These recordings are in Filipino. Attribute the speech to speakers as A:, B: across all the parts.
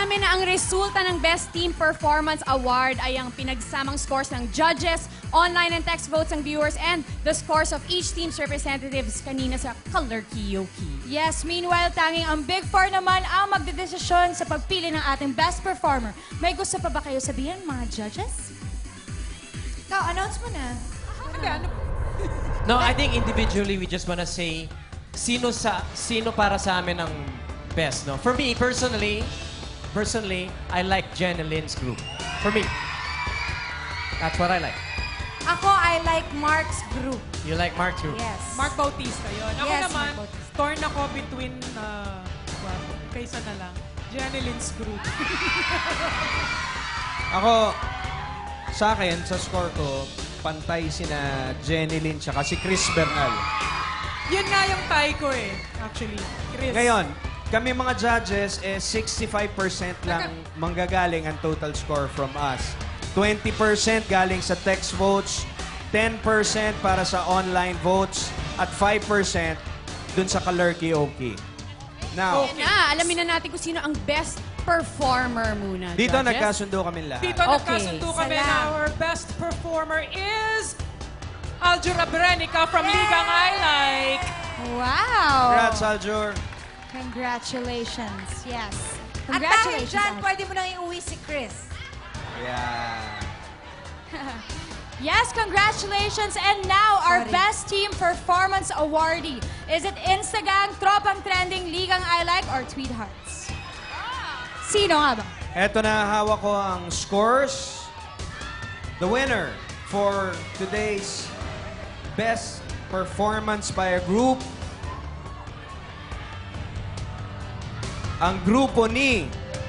A: namin na ang resulta ng Best Team Performance Award ay ang pinagsamang scores ng judges, online and text votes ng viewers, and the scores of each team's representatives kanina sa Kalerkioki.
B: Yes, meanwhile, tanging ang Big Four naman ang magdedesisyon sa pagpili ng ating best performer. May gusto pa ba kayo sabihin, mga judges? Ikaw, announce mo na.
C: No, I think individually we just wanna say sino para sa amin ang best, no? For me, personally, I like Jen and Lynn's group. For me. That's what I like.
B: Ako, I like Mark's group.
C: You like Mark's group?
B: Yes.
D: Mark Bautista yun. Ako
B: Yes,
D: naman,
B: Mark Bautista.
D: torn ako between, kaysa na lang, Janeline's group.
E: Ako, sa akin, sa score ko, pantay sina Jenny Lynn tsaka si Chris Bernal.
D: Yun nga yung tie ko eh, actually. Chris.
E: Ngayon, kami mga judges, 65% lang manggagaling ang total score from us. 20% galing sa text votes, 10% para sa online votes, at 5% dun sa Kalerkioki. Now,
A: Alamin na natin kung sino ang best performer muna,
E: dito
A: judges.
E: nagkasundo kami lahat.
D: Dito nagkasundo kami na our best performer is Aljur Abrenica from Ligang I Like.
B: Wow!
E: Congrats, Aljur.
B: Congratulations. Yes.
F: At dahil
B: Congratulations.
F: dyan,
B: Ate.
F: pwede mo nang iuwi si Chris.
E: Yeah.
B: Yes, congratulations. And now, our Best Team Performance Awardee. Is it Instagang, Tropang Trending, Ligang I Like, or Tweet Hearts? Sino nga ba?
E: Eto na, hawak ko ang scores. The winner for today's best performance by a group, ang grupo ni...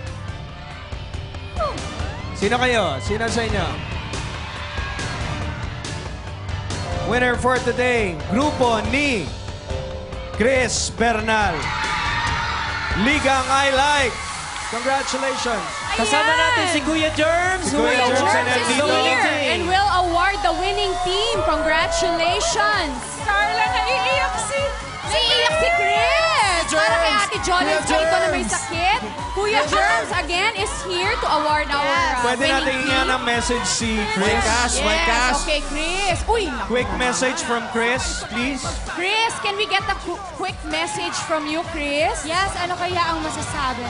E: Sino kayo? Sino sa inyo? Winner for today, grupo ni Chris Bernal. Ligang I Like. Congratulations.
C: Kasama natin si Kuya Germs.
E: Si Kuya Germs ay nandito.
A: And will award the winning team. Congratulations!
D: Carla, naiiyak si...
A: Naiiyak si Chris! Para kay Ate Jolens
E: Kuya
A: dito na may
E: Germs.
A: sakit. Kuya Germs, again, is here to award our
E: Pwede
A: winning
E: natin
A: team.
E: nga ng message si Chris.
A: Yes, okay, Chris. Uy, naku.
E: Quick message from Chris, please.
A: Chris, can we get a quick message from you, Chris?
B: Yes, ano kaya ang masasabi?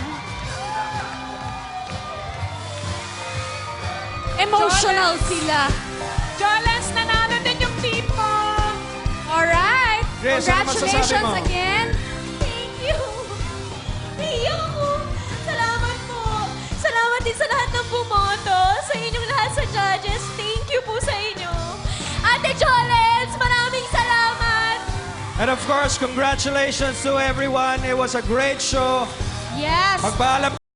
A: Emotional sila.
D: Jolens, nanalo din yung team mo.
A: Alright.
E: Chris, ano masasabi
A: Congratulations
E: mo?
A: again.
F: Thank you! Iyak ako! Salamat po! Salamat din sa lahat ng bumoto, sa inyong lahat sa judges. Thank you po sa inyo. Ate Jolens, maraming salamat!
E: And of course, congratulations to everyone. It was a great show.
B: Yes.
E: Magpaalam